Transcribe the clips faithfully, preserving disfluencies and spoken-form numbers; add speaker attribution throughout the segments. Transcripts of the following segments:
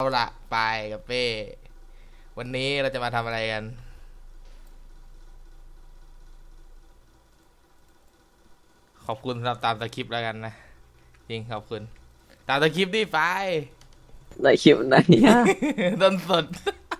Speaker 1: ละไปกับเป้วันนี้เราจะมาทำอะไรกันขอบคุณสำหรับตามสคริปต์แล้วกันนะจริงขอบคุณตามสคริปต์ดิไป
Speaker 2: ได้คลิปไหนอะ
Speaker 1: ต้นสด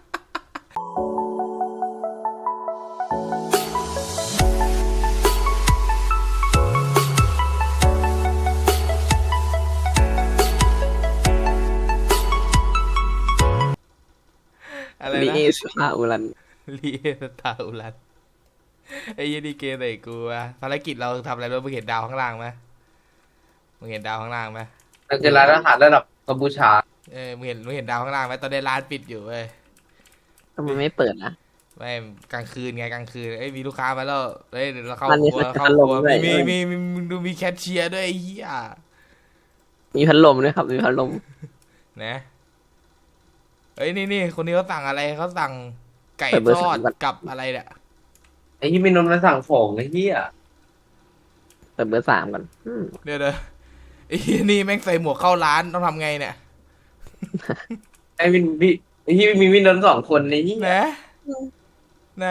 Speaker 1: อะไร
Speaker 2: ลี
Speaker 1: นะ
Speaker 2: เอสพาอุรัน
Speaker 1: ลีเอสตาอุรันไอ้ยี่ดีเกมไหนกูอะภารกิจเราทำอะไรบ้างมึงเห็นดาวข้างล่างไหมมึงเห็นดาวข้างล่างไหม
Speaker 3: เราจะร้านอาหารระดับกัมพูชา
Speaker 1: เออมึงเห็นมึงเห็นดาวข้างล่างไหมตอนนี้ร้านปิดอยู่เว้ย
Speaker 2: ทำไมไม่เปิดนะ
Speaker 1: ไม่กลางคืนไงกลางคืนเอ้ยมีลูกค้ามาแล้วเฮ้ยเดี๋ยวเราเข้า
Speaker 2: มัน
Speaker 1: ค
Speaker 2: มี
Speaker 1: รัวเข้า
Speaker 2: พัด
Speaker 1: ค
Speaker 2: ล
Speaker 1: รั
Speaker 2: ม
Speaker 1: ว
Speaker 2: ด้วย
Speaker 1: มีมีมีมีมีดูมีแคชเชียร์ด้วยไอ้เหี้ย
Speaker 2: มีพัดลมด้วยครับมีพัดลม
Speaker 1: นะเอ้ยนี่นี่คนนี้เขาสั่งอะไรเขาสั่งไก่ทอดกับอะไรเนี่ย
Speaker 3: ไอ้ที่มีนมมาสั่งของไอ้ที่อ่ะ
Speaker 2: เปิดเบอร์สามก่อนอืม
Speaker 1: เดี๋ยวเดี๋ยวไอ้เหี้ยนี่แม่งใส่หมวกเข้าร้านต้องทำไงเนี่ย
Speaker 3: ไอ้วินพี่ไอ้ที่มีวินนมสองคนในที่
Speaker 1: ไหนไหน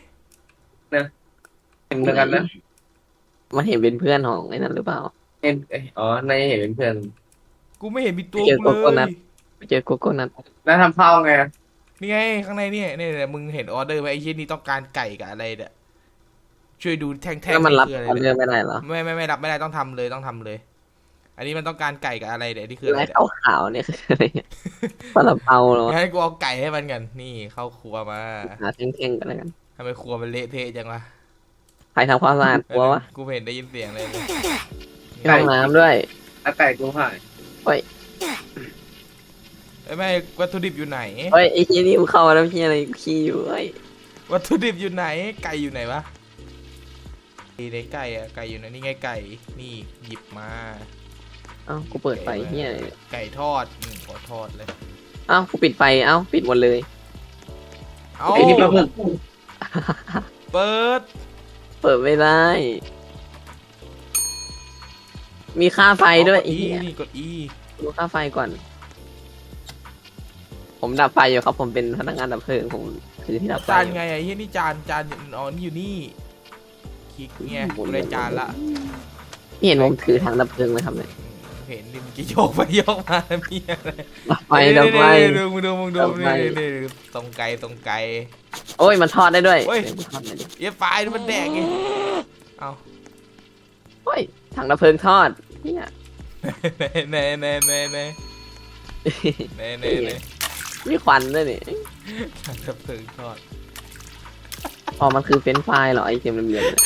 Speaker 3: เห็นเหมือนกันนะ
Speaker 2: มันเห็นเป็นเพื่อนของไอ้นั่นหรือเปล่า
Speaker 3: เห็นเอ้ยอ๋อนายเห็นเป็นเพื่อน
Speaker 1: กูไม่เห็นมีตัว
Speaker 2: เจอ
Speaker 1: กู
Speaker 2: โกโก้
Speaker 1: เล
Speaker 2: นัท
Speaker 1: ย
Speaker 2: ไปเจอโกโก้นัท
Speaker 3: น้าทำข้าวไง
Speaker 1: นี่ไงข้างในเนี่ยเนี่ยเนี่ยมึงเห็นออเดอร์ไหมไอ้เหี้ยนี่ต้องการไก่กับอะไรเนี่ยช่วยดูแท่งๆ
Speaker 2: แล้วมันรับ
Speaker 1: คืออะไร
Speaker 2: ออเดอ
Speaker 1: เนี่ย
Speaker 2: ร์ไม่ได้เหรอ
Speaker 1: ไม่ไม่ไม่รับไม่ได้ต้องทำเลยต้องทำเลย อันนี้มันต้องการไก่กับอะไรเนี่ยนี่คืออะไร
Speaker 2: ไอ้
Speaker 1: เนี่ย
Speaker 2: ขาวขาวๆเนี่ยคืออะไรเนี่ยซาลาเปาเหรอ
Speaker 1: งั้นกูเอาไก่ให้มันกันนี่เข้าครัวมา
Speaker 2: หาเท่งๆกันแล้วกัน
Speaker 1: ทำไมครัวมันเละเทะจังวะ
Speaker 2: ใครทำความสะอาดครัววะ
Speaker 1: กูไม่เห็นได้ยินเสียงเลย
Speaker 2: ห้องน้ำด้วย
Speaker 3: แล้วไก่กูหาย
Speaker 1: เอ้ยไม่วัตถุดิบอยู่ไหน
Speaker 2: เฮ้ยไอ้ที่นี่มึงเข้ามาแล้วพี่อะไรขี้อยู่เฮ้ย
Speaker 1: วัตถุดิบอยู่ไหนไก่อยู่ไหนวะในไก่อะไก่อยู่ไหนนี่ไงไก่นี่หยิบมา
Speaker 2: เอ้ากูเปิดไฟเฮียอะไรเนี่ย
Speaker 1: ไก่ทอดอืมขอทอดเลย
Speaker 2: เอ้ากูปิดไฟเอ้าปิดหมดเลย
Speaker 1: เอา
Speaker 3: ไอ้นี่ปลาหมึก
Speaker 1: เปิด
Speaker 2: เปิดไม่ได้ มีค่าไฟด้วย
Speaker 1: ก
Speaker 2: ไอ้
Speaker 1: ดอี
Speaker 2: เหี้ย
Speaker 1: นี่กดอี
Speaker 2: ดูค่าไฟก่อน ผมดับไฟอยู่ครับ ผมเป็นพนักงานดับเพลิงผมคือที่ดับไฟ
Speaker 1: จาน
Speaker 2: อยู่
Speaker 1: ไงไอ้เหี้ยนี่จานจานอ๋อนี่อยู่นี่คลิกไงกูได้จานละ
Speaker 2: พี่เห็นผมถือถังดับเพลิงไหมครับเนี่ย
Speaker 1: เห็นดิมกี้โยกไปโยกมามีอะไร
Speaker 2: ดับไฟดับไฟ
Speaker 1: ดูมึงดูมึงดู
Speaker 2: ดับไฟ
Speaker 1: นี่นี่นี่ตรงไกลตรงไกล
Speaker 2: โอ้ยมันทอดได้ด้วย
Speaker 1: เฮ้ย
Speaker 2: ดี๋วกูทอดหน่อยดิ
Speaker 1: เอี้ยไฟมันแดงไงเอา
Speaker 2: โอ้ยถังดับเพลิงทอดเนี่ย
Speaker 1: เน่เน่เน่เน่เน่เน่เน่
Speaker 2: มีควันด้วยนี่
Speaker 1: ทางดับเพลิงทอด
Speaker 2: อ๋อมันคือเฟรนช์ฟรายเหรอไอเค็มเหลืองๆเนี่ย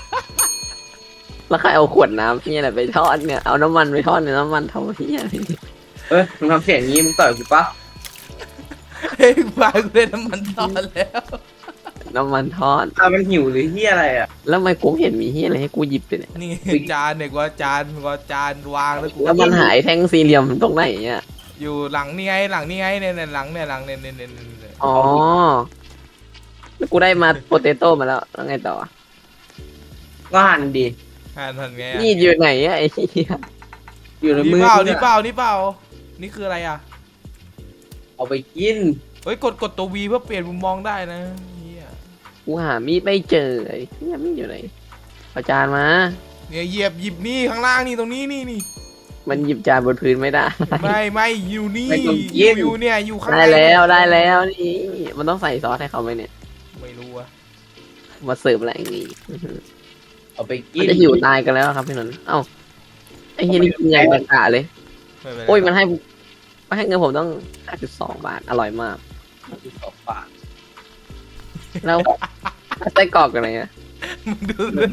Speaker 2: แล้วใครเอาขวดน้ำพี่อะไรไปทอดเนี่ยเอาน้ำมันไปทอดเนี่ยน้ำมันเท่าพี่อะไรเนี่ย
Speaker 3: เอ้ยมึงทำเสียงงี้มึงต่อยกูปะ
Speaker 1: เฮ้ยไฟกูได้น้ำมันทอดแล้ว
Speaker 2: น้ำมันทอด
Speaker 3: อ่ะมันหิวหรือที่อะไรอ่ะ
Speaker 2: แล้วทำไมกูเห็นมีที่อะไรให้กูหยิบไปเนี่ย
Speaker 1: นี่จานเนี่ยกูจานกูจานวางแล้วกู
Speaker 2: แล้วมันหายแท่งสี่เหลี่ยมตรงไหนเนี่ย
Speaker 1: อยู่หลังนี่ไงหลังนี่ไงเนี่ยเนี่ยหลังเนี่ยหลังเนี่ยเนี่ยเนี่ยเนี่ย
Speaker 2: อ๋อแล้วกูได้มาโปเตโต้มาแล้วแล้วไงต่อ
Speaker 3: ก็หั่นดี
Speaker 1: อ่านทันไงอะ
Speaker 2: นี่อยู่ไหนอะไอ้เหี้ย
Speaker 3: อยู่ใน
Speaker 1: นี่
Speaker 3: มือ
Speaker 1: เปล่า
Speaker 3: กู
Speaker 1: นี่
Speaker 3: อะ
Speaker 1: เปล่านี่เปล่านี่คืออะไรอ่ะ
Speaker 3: เอาไปกิน
Speaker 1: เฮ้ยกดกดตัววีเพื่อเปลี่ยนมุมมองได้นะเฮีย
Speaker 2: กูหามีดไม่เจอไอ้เหี้ยมีดอยู่ไหนเอาจานมา
Speaker 1: เนี่ยเหยียบหยิบนี่ข้างล่างนี่ตรงนี้นี่นี่
Speaker 2: มันหยิบจานบนพื้นไม่ได้
Speaker 1: ไม่ไม่อยู่นี่
Speaker 3: ไม่ต้อง
Speaker 1: อ
Speaker 3: กิ
Speaker 1: ยู่
Speaker 3: น
Speaker 1: อยู่เนี่ยอยู่ข้าง
Speaker 2: ได้
Speaker 1: ใน
Speaker 2: แล้วได้แล้วนี่มันต้องใส่ซอสให้เขาไหมเนี่ย
Speaker 1: ไม่รู้อะ
Speaker 2: มาเสิร์ฟอะไรอย่างงี้อื้อหือ
Speaker 3: เอาไปกิ
Speaker 2: มัน
Speaker 3: น
Speaker 2: จะหิวตายกันแล้วครับพี่นนท์เอ้าไอ้เฮียนี่กินใหญ่กะเลย
Speaker 1: ไม่เป็นไร
Speaker 2: โอ้ยมันให้มันให้เงินผมต้อง ห้าจุดสอง บาทอร่อยมาก
Speaker 3: สองบาท
Speaker 2: แล้วไส้กรอกอะไรเงี้ย
Speaker 1: มึงดู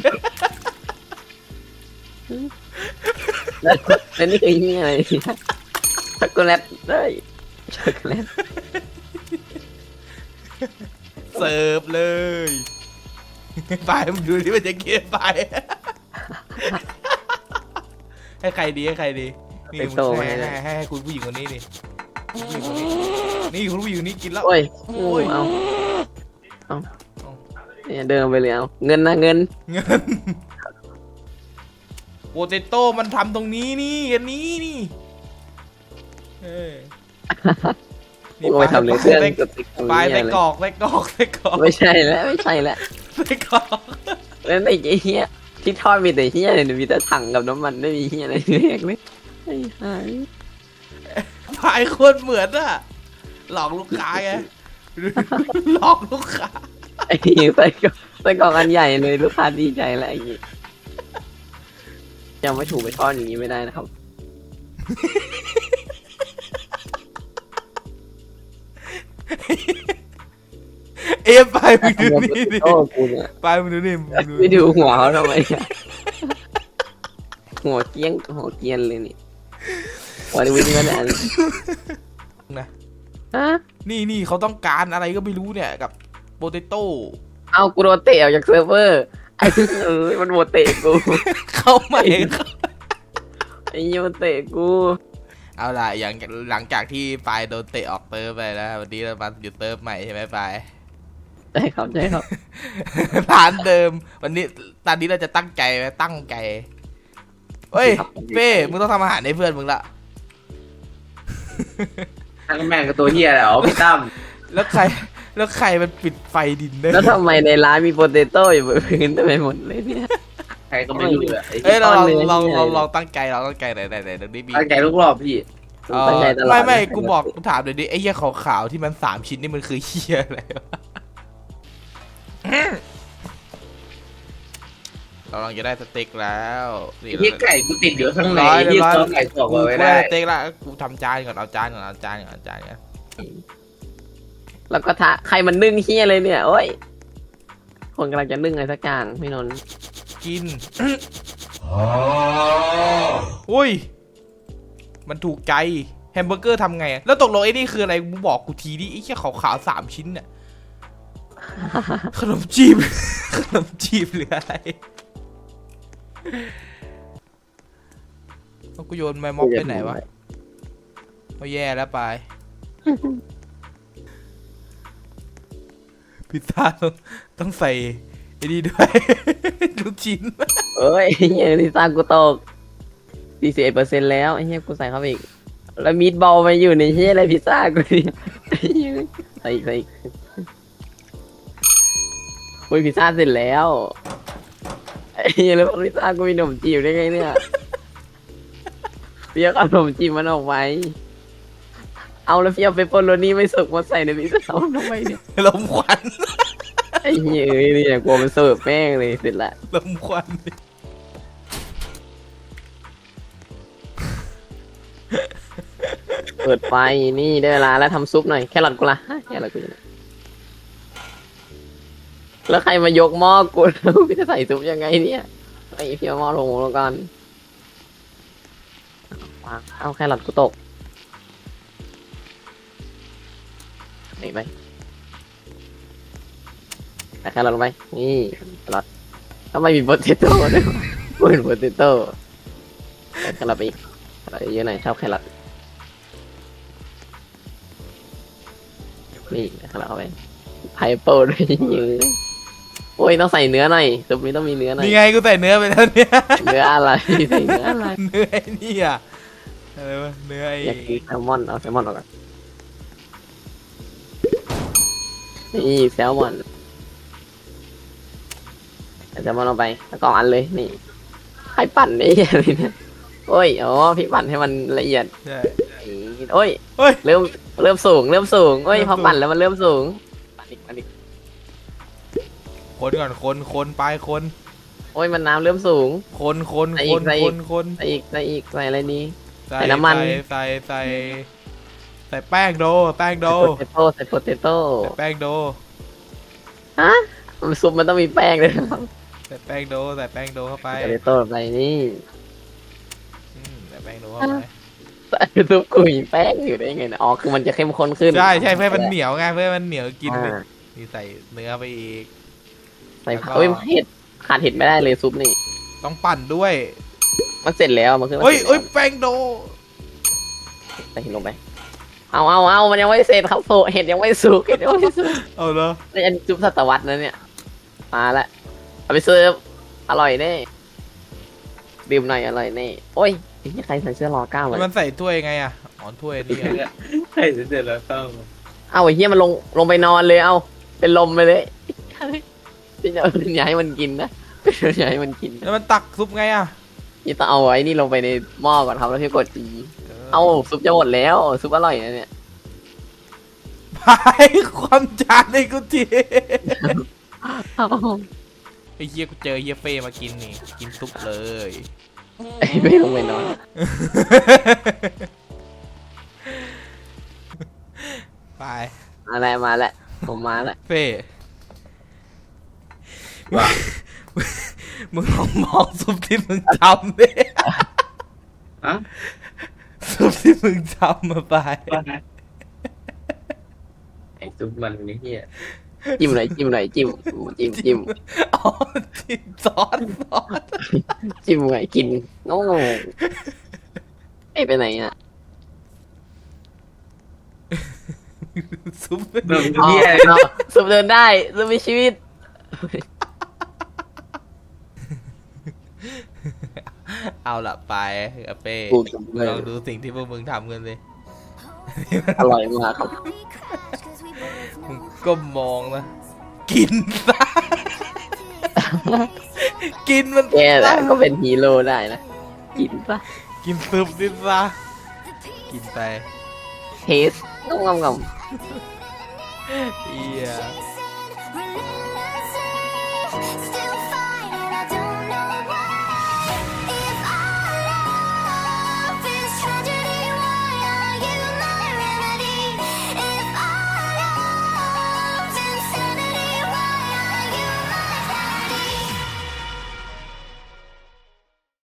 Speaker 2: แล้วแล้วนี่คือเฮียอะไรช็อกโกแลตด้วยช็อกโกแลต
Speaker 1: เสิร์ฟเลยไปมึงดูที่มันจะเกลียดไปให้ใครดีให้ใครดีนี่มึงให้ให้ให้ให้คุณผู้หญิงคนนี้ดิผู้หญิงคนนี้นี่คุณผู้หญิงคนนี้กินแล้ว
Speaker 2: โอ้ยโอ้ยเอาเอาเนี่ยเดินไปเลยเอาเงินนะเงิน
Speaker 1: เงินโปเตโต้มันทำตรงนี้นี่อันนี้นี่เออ
Speaker 2: กูไปทำเลยเครื่องกดติ๊ก
Speaker 1: ปลายใส่กรอกใส่กรอกใส่กรอก
Speaker 2: ไม่ใช่แล้วไม่ใช่แล้ว
Speaker 1: ใส่กรอก
Speaker 2: แล้วไอ้เหี้ยที่ทอดมีแต่เหี้ยเลยมีแต่ถังกับน้ำมันไม่มีเหี้ยอะไรเลยเลยไอ้ห่า
Speaker 1: ปลายโคตรเหมือนอะหลอกลูกค้าไงหลอกลูกค้า
Speaker 2: ไอ้เหี้ยใส่กล่องใส่กล่องอันใหญ่เลยลูกค้าดีใจแล้วไอ้เหี้ยยังไม่ถูกไปทอดอย่างนี้ไม่ได้นะครับ
Speaker 1: เอ๊ะปลายมึงดูนี่ดิ
Speaker 2: โอ้กูเนี่ย
Speaker 1: ปลายมึงดูนี่มึงดู
Speaker 2: ไม่ดูหัวเขาทำไมอะหัวเกี้ยงหัวเกรียนเลยนี่หัววิ่งมาแล้ว
Speaker 1: นะ
Speaker 2: ฮะ
Speaker 1: นี่นี่เขาต้องการอะไรก็ไม่รู้เนี่ยกับโปเตโต้
Speaker 2: เอากูโดนเตะออกจากเซิร์ฟเวอร์ไอ้เอ้ยมันโดนเตะกู
Speaker 1: เข้ามาเอง
Speaker 2: ไอ้เหี้ยมันเตะกู
Speaker 1: เอาล่ะอย่างหลังจากที่ปลายโดนเตะออกเติร์ฟไปแล้ววันนี้เรามาอยู่เติร์ฟใหม่ใช่ไหมปลาย
Speaker 2: ใช่ครับใช่ครับ
Speaker 1: ร้านเดิม วันนี้ตอนนี้เราจะตั้งใจไหมตั้งใจเฮ้ยเป้มึงต้องทำอาหารให้เพื่อนมึงละ
Speaker 3: ทั้งแม่งกับตัวเฮียแหละอ๋อพี่ตั้ม
Speaker 1: แล้วใครแล้วใครมันปิดไฟดินเนอ
Speaker 2: แล้ว
Speaker 1: ร์
Speaker 2: ทำไมในร้านมีโปเตโต้อยู่บนพื้นเต็มไปหมดเลยเนี่ย
Speaker 3: ใครก็ไม่รู้เลย
Speaker 1: เอ้ยเราลอง
Speaker 2: ก้อนเนื้อ
Speaker 1: ลอง
Speaker 2: ใหญ่
Speaker 1: ลองลองตั้งใจเราตั้งใจไหนไหนไหนตรงนี้มี
Speaker 3: ตั้งใจทุกรอบพี่
Speaker 1: เอ่อ
Speaker 2: ตั้งใจตลอด
Speaker 1: ไม่ไม่
Speaker 2: นะ
Speaker 1: กูบอกกูถามเลยดิไอ้เหี้ยขาวๆที่มันสามชิ้นนี่มันคือเหี้ยอะไรวะเรากำลังจะได้สเต็กแล้วนี่
Speaker 3: ที่ไก่กูติดอยู่ข้างใน
Speaker 1: ร้อยเรีย
Speaker 3: ที่
Speaker 1: บร้อย
Speaker 3: ซอสไก่กรอก
Speaker 1: กู
Speaker 3: ไว้
Speaker 1: ได้
Speaker 3: ได้
Speaker 1: สเต็กแล้วกูทำจานก่อนเอาจานก่อนเอาจานก่อนเอาจานก่อน
Speaker 2: แล้วก็ทะใครมันนึ่งเฮียเลยเนี่ยโอ้ยคนกำลังจะนึ่งอะไรสักอย่างพี่นนท์
Speaker 1: กินอุ้ยมันถูกใจแฮมเบอร์เกอร์ทำไงอะแล้วตกลงไอ้นี่คืออะไรมึงบอกกูทีดิไอ้แค่ขาวๆสามชิ้นเนี่ยขนมจีบ ขนมจีบหรืออะไรแล้วกูโยนไม้ม็อบไปไหนวะเอาแย่แล้วไปพิซซ่าต้องต้องใส่ไอ้นี่ด้วย ลูกชิ้น
Speaker 2: เอ้ยเฮียที่สร้างกูตกสี่สิบเอ็ดเปอร์เซ็นต์แล้วไอ้เฮียกูใส่เข้าไปอีกแล้วมีดบอลมาอยู่ในเฮียอะไรพิซซ่ากูเนี่ยไอ้เหี้ยใส่อีกใส่อีกอุ้ยพิซซ่าเสร็จแล้วไอ้เฮียแล้วพิซซ่ากูมีขนมจีบได้ไงเนี่ยเฟียกเอาขนมจีบมันออกไปเอาแล้วเฟียกเปปเปอโรนี่ไม่สุกมาใส่ในพิซซ่าทำไมเนี่ย
Speaker 1: ลมควัน
Speaker 2: ไอ้เหี้ยเอ้ยเนี่ยกลัวมันเสิร์ฟแม่งเลยเสร็จละ
Speaker 1: ลมควัน
Speaker 2: เปิดไฟนี่ได้เวลาแล้วทำซุปหน่อยแครอทกูละฮะแครอทกูอยู่ไหนแล้วใครมายกหม้อกูแล้วพี่จะใส่ซุปยังไงเนี่ยไอ้พี่เอาหม้อลงแล้วกันวางเอาแครอทกูตกไหนไปใส่แครอทลงไปนี่แครอททำไมมีโปเตโต้ด้วยวะกูเห็นโปเตโต้ใส่แครอทไปอีกแครอทเยอะหน่อยชอบแครอทนี่แครอทเข้าไปไพเปิลด้วยเยอะโอ้ยต้องใส่เนื้อหน่อยซุปนี้ต้องมีเนื้อหน่อย
Speaker 1: นี่ไงกูใส่เนื้อไปแล้วเนี่ย
Speaker 2: เนื้ออะไรใส่เนื้ออะไร
Speaker 1: เนื้อไอ้นี่อะอะไรวะเนื้อไอ้
Speaker 2: อยากกินแซลมอนเอาแซลมอนออกก่อนนี่แซลมอนเอาแซลมอนลงไปแล้วก็อันเลยนี่ใครปั่นไอ้เหี้ยอะไรเนี่ยโอ้ยอ๋อพี่ปั่นให้มันละเอียด
Speaker 1: ใช่
Speaker 2: โอ้ย
Speaker 1: เฮ้ย
Speaker 2: เริ่มเริ่มสูงเริ่มสูงโอ้ย
Speaker 1: เริ่ม
Speaker 2: พอ
Speaker 1: สูง
Speaker 2: ปั่นแล้วมันเริ่มสูงปั่นอีกปั่นอีก
Speaker 1: คนก่อนคนคนไปคน
Speaker 2: โอ้ยมันน้ำเริ่มสูง
Speaker 1: คนคน
Speaker 2: ใส่
Speaker 1: ค
Speaker 2: อี
Speaker 1: น
Speaker 2: กใส่อี
Speaker 1: ค
Speaker 2: ก
Speaker 1: นคน
Speaker 2: ใส่อีกใส่อีกใส่อะไรดี
Speaker 1: ใส่
Speaker 2: ใส่น้ำมัน
Speaker 1: ใส่ใส่ใส่แป้งโดแป้งโด
Speaker 2: ใส่โปเตโต้ใส่โปเตโต้
Speaker 1: ใส่แป้งโด
Speaker 2: ฮะมันซุปมันต้องมีแป้งเลยนะครับ
Speaker 1: ใส่แป้งโดใส่แป้งโดเข้าไป
Speaker 2: โปเตโต้ไปนี่
Speaker 1: อืมใส่แป้งโดเข้าไป
Speaker 2: ใส่ซุปกุยแป้งอยู่ได้ไงนะอ๋อคือมันจะเข้มข้นขึ้น
Speaker 1: ใช่ใช่เพื่อให้มันเหนียวไงเพื่อให้มันเหนียวกินเลย
Speaker 2: อ่า
Speaker 1: นี่ใส่เนื้อไปอีก
Speaker 2: ใส่
Speaker 1: แล้วก็
Speaker 2: เอ้ยเห็ดขาดเห็ดไม่ได้เลยซุปนี่
Speaker 1: ต้องปั่นด้วย
Speaker 2: มันเสร็จแล้วมันคือ
Speaker 1: เฮ้ยเฮ้ยแป้งโด
Speaker 2: ใส่เห็ดลงไปเอาเอาเอามันยังไม่เสร็จครับโซเห็ดยังไม่สุกเห็ดยังไม่สุก
Speaker 1: เอาเลย
Speaker 2: นี่อันซุปสัตวรรษนะเนี่ยมาละเอาไปเสิร์ฟอร่อยแน่ดื่มหน่อยอร่อยแน่โอ้ยไอ้เหี้ยใครใส่เสื้อรอเก้ามา
Speaker 1: มันใส่ถ้วยไงอ่ะอ๋อถ้วยนี่ไง
Speaker 3: ใช่เสร็จแล้วต้อง
Speaker 2: เอาไอ้เหี้ยมันลงลงไปนอนเลยเอาเป็นลมไปเลยพี่จะอย่าให้มันกินนะอย่าให้มันกิน
Speaker 1: แล้วมันตักซุปไงอ่ะ
Speaker 2: พี่ต้องเอาไอ้นี่ลงไปในหม้อก่อนครับแล้วพี่กดอีเอาซุปจะหมดแล้วซุปอร่อยนะเนี่ย
Speaker 1: พายความจานเลยกูทีไอ้เฮียกูเจอเฮียเฟ่มากินนี่กินซุปเลย
Speaker 2: ไอ้ไม่ลงไปนอน
Speaker 1: ไป
Speaker 2: มาแล้วมาแล้วผมมาแล้ว
Speaker 1: เฟ่มึงลองมองซุปที่มึงทำดิ
Speaker 3: อะ
Speaker 1: ซุปที่มึงทำมาไป
Speaker 3: ไอ้ซุปมันนี่เฮีย
Speaker 2: จิ้มหน่อยจิ้มหน่อยจิ้มจิ้มจิ้ม
Speaker 1: อ๋อจิ้มซอสซอส
Speaker 2: จิ้มหน่อยกินโอ้ไอ้ไปไหนอ่ะ
Speaker 1: ซุป
Speaker 3: แบบ
Speaker 2: อ๋อ
Speaker 3: เฮีย
Speaker 2: เอาซุปเดินได้ซุปมีชีวิต
Speaker 1: เอาละไปเอาเป้
Speaker 2: กูซุปเลย
Speaker 1: ลองดูสิ่งที่พวกมึงทำกันสิ
Speaker 2: อร่อยมากครับ
Speaker 1: มึงก็มองนะ กินซะ กินมัน
Speaker 2: แกแหละก็เป็นฮีโร่ได้นะกินปะ
Speaker 1: กินซุปดิซะกินไป
Speaker 2: เทสงงงง
Speaker 1: เอีย